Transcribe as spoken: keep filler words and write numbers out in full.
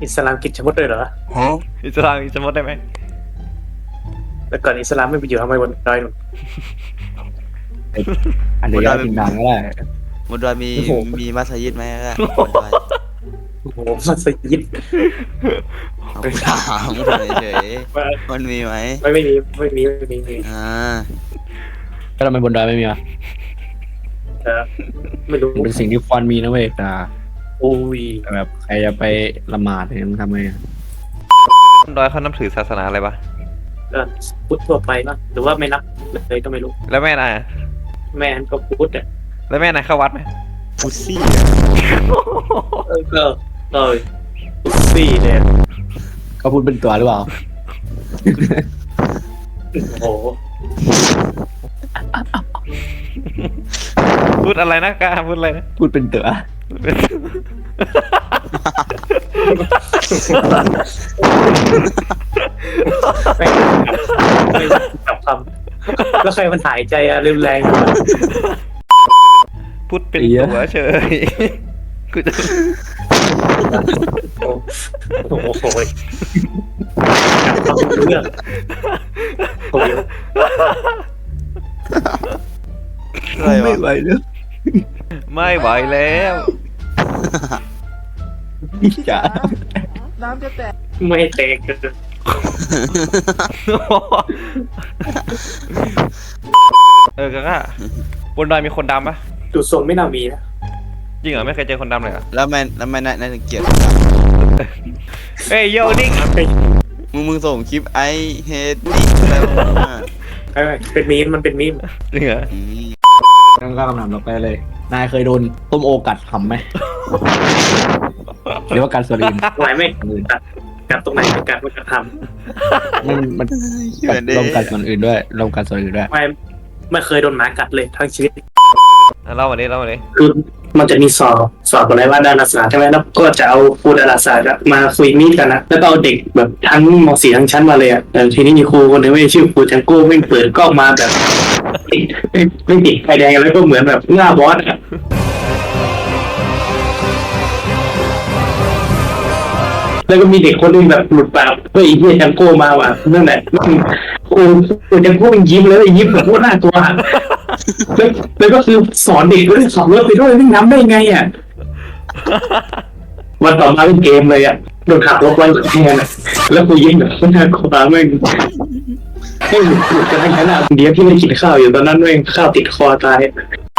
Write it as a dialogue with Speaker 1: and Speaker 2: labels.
Speaker 1: อิสลามกินชะมดด้วยเหรอ
Speaker 2: ฮะอิสลามจะมดได้ไหม
Speaker 1: แต่ก่อนอิสลามไม่ไปอยู่ทำไมบนดอยหนุน
Speaker 3: อันเดียวกินดังก็ได้
Speaker 4: บนดอยมีมีมัสยิดไหมล่ะบนดอย
Speaker 1: โอ้โหมัสยิด
Speaker 4: เอาถามเฉยๆมันมีไหม
Speaker 1: ไม่ไม่มีไม่มีไม่มีไม่มี
Speaker 4: อ่า
Speaker 3: ก็ทำไมบนดอยไม่มีอ่ะ
Speaker 1: เออไม่รู้
Speaker 3: เป็นสิ่งที่ควรมีนะเว้ยแต่
Speaker 1: โอ้ย
Speaker 3: แบบใครจะไปละหมาดเนี่ยมันทำไงอ่ะ
Speaker 2: ดอยเขานับถือศาสนาอะไรปะ
Speaker 1: ก็พุทธทั่วไปเนาะหรือว่าไม่นับเลยก็ไม่รู้
Speaker 2: แล้วแม่นาย
Speaker 1: แม่ก็พุทธอ่ะ
Speaker 2: แล้วแม่นายเข้าวัดไหม
Speaker 4: พุทซี่
Speaker 1: เออก็เลยพุทซี่เนี่ย
Speaker 3: เขาพูดเป็นตัวหรือเปล่า
Speaker 1: โอ้โห
Speaker 2: พูดอะไรนะกล้าพูดอะไรนะ
Speaker 3: พูดเป็นตัว
Speaker 1: ไม่ไม่จับคำแล้วใครมันหายใจอะเร็วแรง
Speaker 2: พูดเป็นตัวเฉยกูจะ
Speaker 1: โอ้โหจับคำเรื่องโอ้ย
Speaker 3: ไม่ไหวแล้ว
Speaker 2: ไม่ไหวแล้ว
Speaker 3: จ๋า
Speaker 1: น้ำจะแตกไม่แตก
Speaker 2: เออก็บนดอยมีคนดำปะ
Speaker 1: ดูทรงไม่น่ามีนะ
Speaker 2: จริงเหรอไม่เคยเจอคนดำเลยเหรอ
Speaker 4: แล้วแม่แล้วแม่นายถึงเกลียด
Speaker 2: เฮ้ยโยนิก
Speaker 4: มึงมึงส่งคลิปไอเฮดดิแล้ว
Speaker 1: เป็นมีมมันเป็นมีม
Speaker 2: จริงเหรอ
Speaker 3: งั้นก็คำถามต่อไปเลยนายเคยโดนต้มโอกัดทำไหมหรือว่าการสลิม
Speaker 1: ไหวไหมกัดกัดตรงไหนกัดมันจะท
Speaker 3: ำมันมันลงกัดส่วนอื่นด้วยลงกัดส่วนอื่นด้วย
Speaker 1: ไม่ไม่เคยโดนหมากัดเลยทั้งชีวิต
Speaker 2: เล่าวันนี้เล่าวันนี้
Speaker 1: คือมันจะมีสอบสอบอะไรว่าดาราศาสตร์ใช่ไหมแล้วก็จะเอาครูดาราศาสตร์มาคุยมีดกันนะแล้วก็เอาเด็กแบบทั้งม.สี่ทั้งชั้นมาเลยอ่ะแต่ทีนี้มีครูคนนึงไม่ชื่อครูจังโก้ไม่เปิดกล้องมาแบบไม่ติดไฟแดงแล้วก็เหมือนแบบหน้าบอสอ่ะแล้วก็มีเด็กคนนึงแบบหลุดปากเฮ้ยไอ้เหี้ยจังโก้มาว่ะนั่นแหละครูครูจังโก้มันยิ้มเลยยิ้มแบบพูดหน้าตัวแล้วแล้วก็คือสอนเด็กด้วยสอนเลิกไปด้วยนี่น้ำได้ไงอ่ะวันต่อมาเป็นเกมเลยอ่ะโดนขับรถไว้แทนแล้วกูยิงแบบน่ากลัวแม่งให้หลุดหลุดกันทั้งนั้นอ่ะเดี๋ยวที่ไม่กินข้าวอยู่ตอนนั้นแม่งข้าวติดคอตาย